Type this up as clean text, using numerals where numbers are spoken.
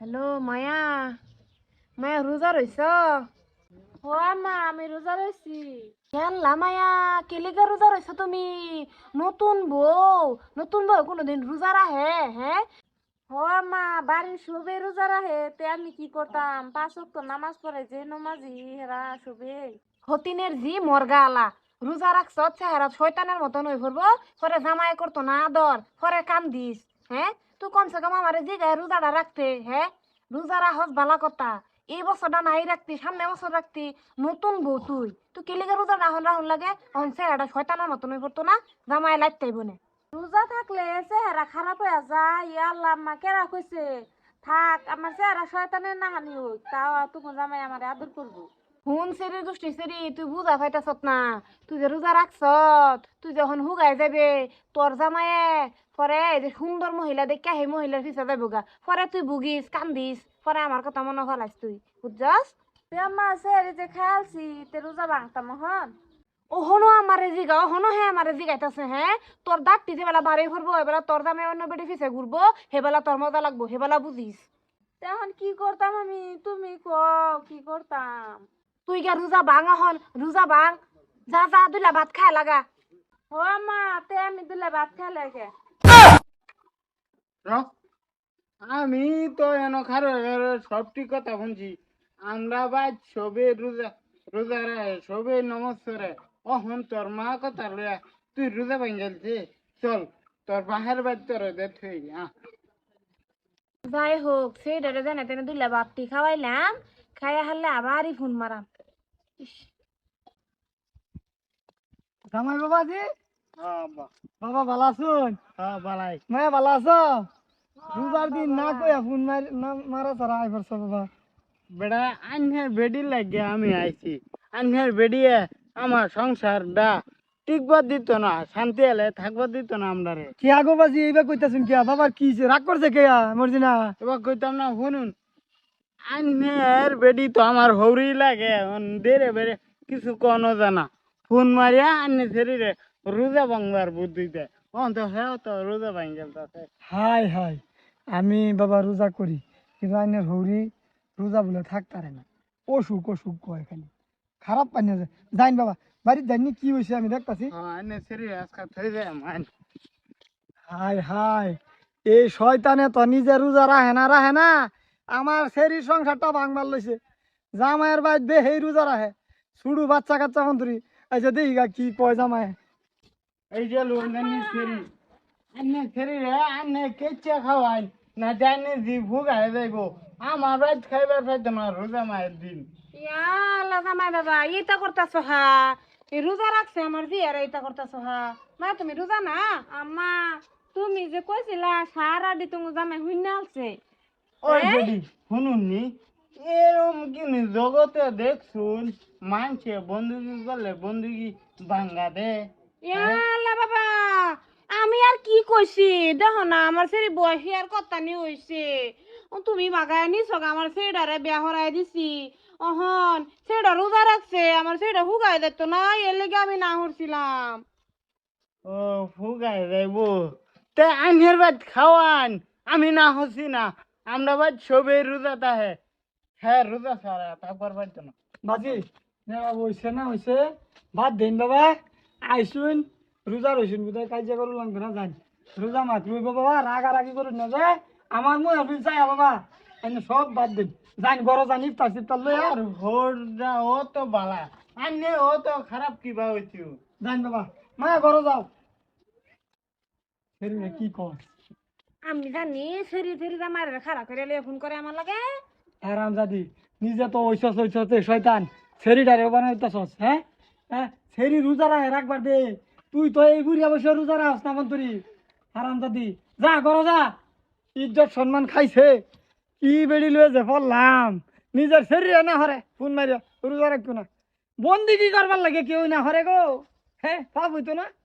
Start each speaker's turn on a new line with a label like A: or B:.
A: Hello মায়া, মায়া রোজা রইছ?
B: ও মা আমি রোজা রয়েছি।
A: খেললা মায়া, কেলিকা রোজা রইছ তুমি? নতুন বউ, নতুন বউ কোনোদিন রোজা রাহে? হ্যাঁ,
B: ও মা বাড়ির সবে রোজা রাখে তে আমি কি করতাম? 5 ওয়াক্ত নামাজ পড়ে যে নমাজি হেরা সবে।
A: হতিনের জি মর্গা আলা। রোজা রাখছ, চেহারা শয়তানের মতন হয়ে পড়বো। পরে জামাই করতো না আদর, পরে কাম দিস। হ্যাঁ, তুই কমসে কম আমারে জিগায় রোজাটা রাখতে। হ্যাঁ, রোজা রাখস বালা কথা। এই বছরটা নাই রাখতি, সামনে বছর রাখতি। নতুন বউ তুই, তুই কেলিকা রোজা রাহন রাহন লাগে। অন চেহারাটা শয়তানের মতন হয়ে পড়তো না? জামাই লাগতেই বনে।
B: রোজা থাকলে চেহারা খারাপ হয়ে যায়। ইয়া আল্লাহ আম্মা কেরা কইছে থাক আমার চেহারা শয়তানের নাহানি হোক, তাও তুমি জামাই আমার আদর করবো।
A: হুন সেরি দুষ্টি সেরি, তুই বুঝা পাইতাছত না? তুই যে রোজা রাখছত, তুই যখন হুগাই যাবে তোর জামাইয়ে, পরে এই যে সুন্দর মহিলা দেখে সেই মহিলার পিছে যাবো গা, পরে তুই বুগিস কান্দিস, পরে আমার কথা মনে ফেলাইস তুই, বুঝছস?
B: তে আম্মা চেহারি যে খেয়ালছি তে রোজা ভাঙতাম হন।
A: ওহনো আমারে জিগা, ওহনো হ্যাঁ আমারে জিগাইতাছে। হ্যাঁ, তোর দাঁতটি যেবেলা বাড়ি ফুরবো এবেলা তোর জামাই অন্য বেটি পিছে ঘুরবো, সেবেলা তোর মজা লাগবো, সেবেলা বুঝিস।
B: তে এখন কি করতাম আমি, তুমি কও কি করতাম?
A: তুই গা রোজা ভাঙ, এখন রোজা ভাঙ। যা যা দুইলা ভাত খায় লাগা।
B: ও মা তে আমি দিলে ভাত খেলে কে?
C: র, আমি তো এন খারো সবটি কথা শুনছি। আমরা বাদ সবে রোজা রোজা রে সবে নমস্কারে। অহন তোর মা কথা লয়া তুই রোজা ভাঙ্গালছে। চল তোর বাহের বাদ তোর দে থই
A: যাই হোক, সেইটারে জানে তেনে দুইলা বাপটি খাওয়াইলাম, খাইয়া হারলে আবারই ফোন মারাম। ইস,
D: জামাই বাবাজি, বাবা ভালো আছুন?
C: হ্যাঁ বালাই।
D: মায়া ভালো আছো? রোজার দিন না কইয়া ফোন মারা ছাড়া আই পারছো বাবা।
C: বেড়া আন্যের বেডি লাগে আমি আইছি। আন্যের বেডিয়ে আমার সংসারটা টিকবার দিত না, শান্তি এলে থাকবার দিত না আমরা রে।
D: কি আগো বাজি এইবার কইতাছুন কিয়া? বাবার কি হইছে? রাগ করছে কেয়া মরজি না?
C: এবার কইতাম না শুনুন, আন্যের বেডি তো আমার হৌরি লাগে। দেরে বেড়ে কিছু কোনো জানা ফোন মারিয়া আন্যে শরীরে রোজা ভাঙবার বুদ্ধি দেয়। তো হ্যাঁ তো রোজা ভাঙ্গেল তাতে।
D: হাই হাই, আমি বাবা রোজা করি, কিন্তু আইনের হৌরি রোজা বলে থাকতারে না। অসুখ অসুখ কয় খালি, খারাপ পানি আছে। যাইন বাবা, বাড়ির যাইনি কি হয়েছে আমি দেখতাছি।
C: হ্যাঁ আন্যের শরীরে আজকাল থই যায় মান।
D: হাই হাই, এই শয়তানে তো নিজে রোজা রাহে না, আমার শরীর সংসারটা ভাঙবার লইছে। জামাইয়ের বাইর বে হেই রোজা রাহে, ছুড়ু বাচ্চা কাচ্চা মন্ত্রী আচ্ছা দেখি গা কি কয় জামাই।
C: এই যে লোন শরীর আন্যের শরীরে আন্যে কেচে খাওয়াই না জানে জি ভুগায় যাইব। আমার রাত খাইবার পাইতো না রোজা মায়ের দিন।
A: ইয়া আল্লাহ জামাই বাবা, এইটা করতাছ হা? এই রোজা রাখছে আমার জি, আর এইটা করতাছ হা? মা তুমি রোজা না?
B: আম্মা তুমি যে কইছিলা সারা দি তুমি জামাই হুইনা আছে।
C: ওই বেডি শুনুন নি, এরম কিনি জগতে দেখছুন মানছে বন্দুকি করলে বন্দুকি ভাঙ্গা দে।
A: ইয়া আল্লাহ বাবা, আমি আর কি কইছি? দেখো না আমার সেরি বয়সী আর কত্তা নি হইছে। তুমি বাগায় নিছ গা, আমার সেডারে বিয়া হরাই দিছি। অহন সেডা রোজা রাখছে, আমার সেডা হুগাই দিত না, এর লেগে আমি না হরছিলাম।
C: ও ফুগাই যাইব, তে আইনের বাদ খাওয়ান। আমি না হচ্ছি না, আমরা বাদ সবে রোজা তাহে। হ্যাঁ রোজা সারা তারপর পাইতো না।
D: বাজি না হইছে না হইছে, ভাত দেন বাবা। আইসুন রোজা রইছুন, বুঝাই কাজিয়া করু লাগবে না। যান রোজা মাত রইব বাবা, রাগারাগি করুন না যে আমার মুই অফিস চাই বাবা। এনে সব বাদ দেন, যান গরো যান, ইফতার সিফতার লই
C: আর হোরটা ও তো বালা, আন্নে ও তো খারাপ কিবা হইছিও।
D: যান বাবা। মা গরো যাও। ফেরি কি কর
A: আমি জানি সেরি সেরি জামাই খারাপ করে লিয়ে ফোন করে আমার লাগে।
D: আরাম জাদি, নিজে তো ওইসস শয়তান, সেরিডারে বানাইতাছস। হ্যাঁ হ্যাঁ, সেরি রোজা রাখে রাখবার দে। তুই তো এই বুড়ি অবশ্য রোজা রাখস না মন্তরি। আরাম জাদি, যা গরো যা। ইজ্জত সম্মান খাইছে, কি বেড়ি লয়ে যে পড়লাম, নিজের শরীরে না হরে ফোন মারিয়া রোজা রাখতো না। বন্দি কি করবার লাগে কেউ না হরে গো। হ্যাঁ পাপ হইতো না।